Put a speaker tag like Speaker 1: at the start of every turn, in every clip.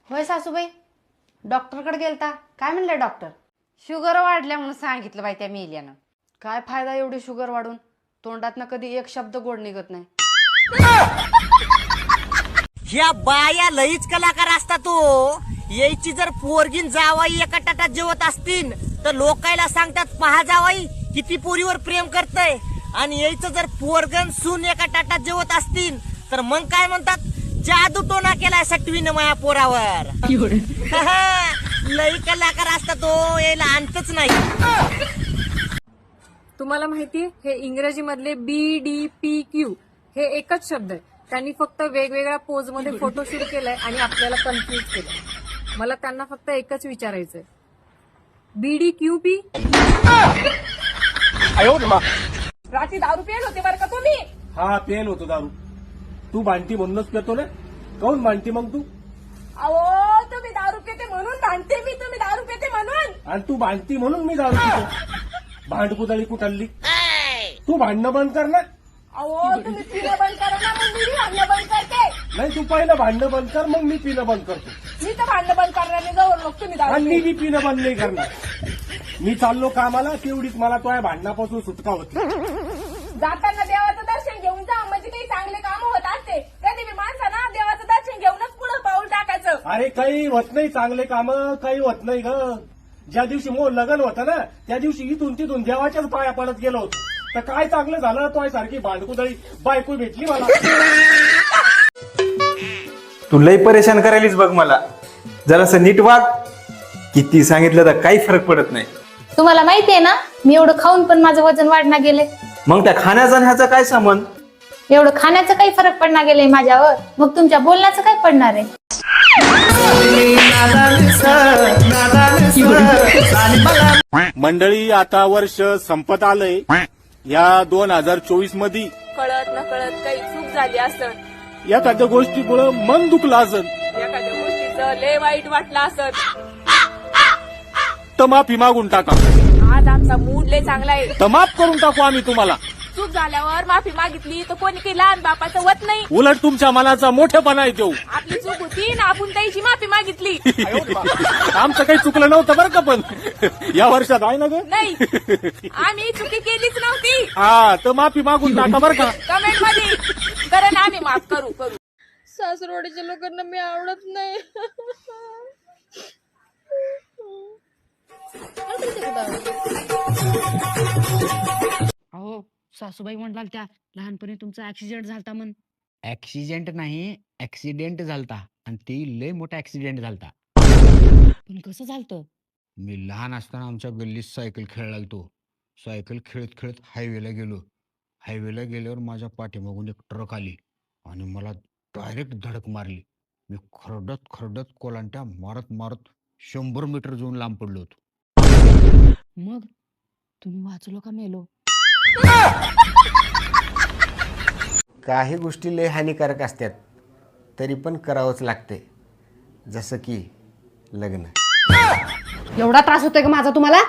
Speaker 1: होय सासूबाई, डॉक्टरकडे गेलता? काय म्हणले डॉक्टर? शुगर वाढल्या म्हणून सांगितलं बाई त्या मेल्यानं. काय फायदा एवढी शुगर वाढून? तोंडातनं कधी एक शब्द गोड निघत नाही.
Speaker 2: ह्या बाया लईच कलाकार असतात तो. यायची जर पोरगीन जावाई एका ताटात जेवत असतील तर लोकायला सांगतात पहा जावाई किती पोरीवर प्रेम करतय, आणि यायचं जर पोरगन सून एका ताटात जेवत असतील तर मग काय म्हणतात, जादू टोना केलाय सटवीनं माया पोरावर. लई कलाकार असतात तो, यायला अंतच नाही.
Speaker 3: तुम्हाला माहिती हे इंग्रजी मधले BDPQ हे एकच शब्द आहे. त्यांनी फक्त वेगवेगळ्या पोज मध्ये फोटोशूट केलंय आणि आपल्याला कन्फ्युज केलंय. मला त्यांना फक्त एकच विचारायचंय, BDQP.
Speaker 4: रात्री दारू पेल होते बरं का तुम्ही?
Speaker 5: हा पेल होतो दारू. तू भांडती म्हणूनच पेतो ना? काऊन भांडती मग तू?
Speaker 4: अहो तुम्ही दारू पिते म्हणून भांडते मी, तुम्ही दारू पिते म्हणून.
Speaker 5: आणि तू भांडती म्हणून मी दारू पितो. भांडकुदळी कुठली? तू भांडणं बंद कर ना.
Speaker 4: अहो तुम्ही पिणं बंद करा ना, मग मी भांडणं बंद करते.
Speaker 5: नाही, तू पहिलं भांडणं बंद कर, मग मी पिणं बंद करतो.
Speaker 4: मी तर भांडणं बंद करण्याने जवळ मग तुम्ही दारू
Speaker 5: आणि
Speaker 4: पिते.
Speaker 5: मी पिणं बंद नाही करणार. मी चाललो कामाला, तेवढीच मला तुझ्या भांडणापासून सुटका होती.
Speaker 4: जाताना देवाचं दर्शन घेऊन जा, म्हणजे काही चांगले काम होत असते. कधी मी माणसाना देवाचं दर्शन घेऊनच पुढे पाऊल टाकायचं.
Speaker 5: अरे काही होत नाही चांगले काम, काही होत नाही ग. ज्या दिवशी मोर लग्न होतं ना, त्या दिवशी इथून तिथून देवाच्याच पाया पडत गेलो होतो. तर काय चांगलं झालं, तो सारखी भांडकुदळी बायको भेटली मला.
Speaker 6: तू लई परेशान करायलीस बघ मला. जरासं नीट वाग. किती सांगितलं तर काही फरक पडत नाही.
Speaker 7: तुम्हाला माहितीये ना, मी एवढं खाऊन पण माझं वजन वाढणार गेले.
Speaker 6: मग त्या खाण्याचा आणि ह्याचा काय संबंध?
Speaker 7: एवढं खाण्याचं काही फरक पडणार गेले माझ्यावर, मग तुमच्या बोलण्याचं काय पडणार आहे?
Speaker 5: मंडळी, आता वर्ष संपत आलंय. या 2024 मध्ये
Speaker 4: कळत न कळत काही चूक झाली असत,
Speaker 5: एखाद्या गोष्टीमुळे मन दुखलं असत,
Speaker 4: एखाद्या गोष्टीचं लय वाईट वाटलं असत,
Speaker 5: तर माफी मागून टाका.
Speaker 4: आज आमचा मूड लय चांगला आहे.
Speaker 5: तर माफ करून टाकू आम्ही तुम्हाला.
Speaker 4: चूक झाल्यावर माफी मागितली तर कोणी काही लहान बापाचं वत नाही.
Speaker 5: उलट तुमच्या मनाचा मोठेपणा आहे देऊ.
Speaker 4: आपली चूक होती ना, आपण त्याची माफी मागितली.
Speaker 5: आमचं काही चुकलं नव्हतं बरं का, पण या वर्षात आहे ना ग.
Speaker 4: नाही, आम्ही चुकी केलीच नव्हती.
Speaker 5: हा, तर माफी मागून टाका बरं का.
Speaker 4: कमेंट मध्ये कारण आम्ही माफ करू.
Speaker 3: सासरवाडीच्या लोकांना मी आवडत नाही.
Speaker 1: अहो सासूबाई म्हणाल त्या लहानपणी तुमचा ऍक्सिडेंट झालता म्हण.
Speaker 8: ऍक्सिडेंट नाही, ऍक्सिडेंट झालता, आणि ते लय मोठा ऍक्सिडेंट झालता.
Speaker 1: पण कसं झालतं?
Speaker 8: मी लहान असताना आमच्या गल्लीत सायकल खेळायला लागतो. सायकल खेळत खेळत हायवेला गेलो. हायवेला गेल्यावर माझ्या पाठीमागून एक ट्रक आली आणि मला डायरेक्ट धडक मारली. मी खरडत खरडत कोलांट्या मारत मारत 100 मीटर जाऊन लांब पडलो होतो.
Speaker 1: मग तुम्ही वाचलो का मेलो?
Speaker 9: काही गोष्टी लय हानिकारक असतात, तरी पण करावंच लागते. जसं की लग्न.
Speaker 1: एवढा त्रास होतोय का माझा तुम्हाला?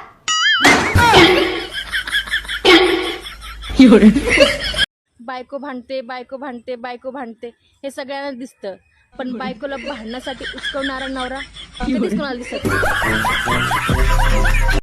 Speaker 3: बायको भांडते, बायको भांडते, बायको भांडते हे सगळ्यांना दिसतं, पण बायकोला भांडण्यासाठी उचकवणारा नवरा कधीच कोणाला दिसत नाही.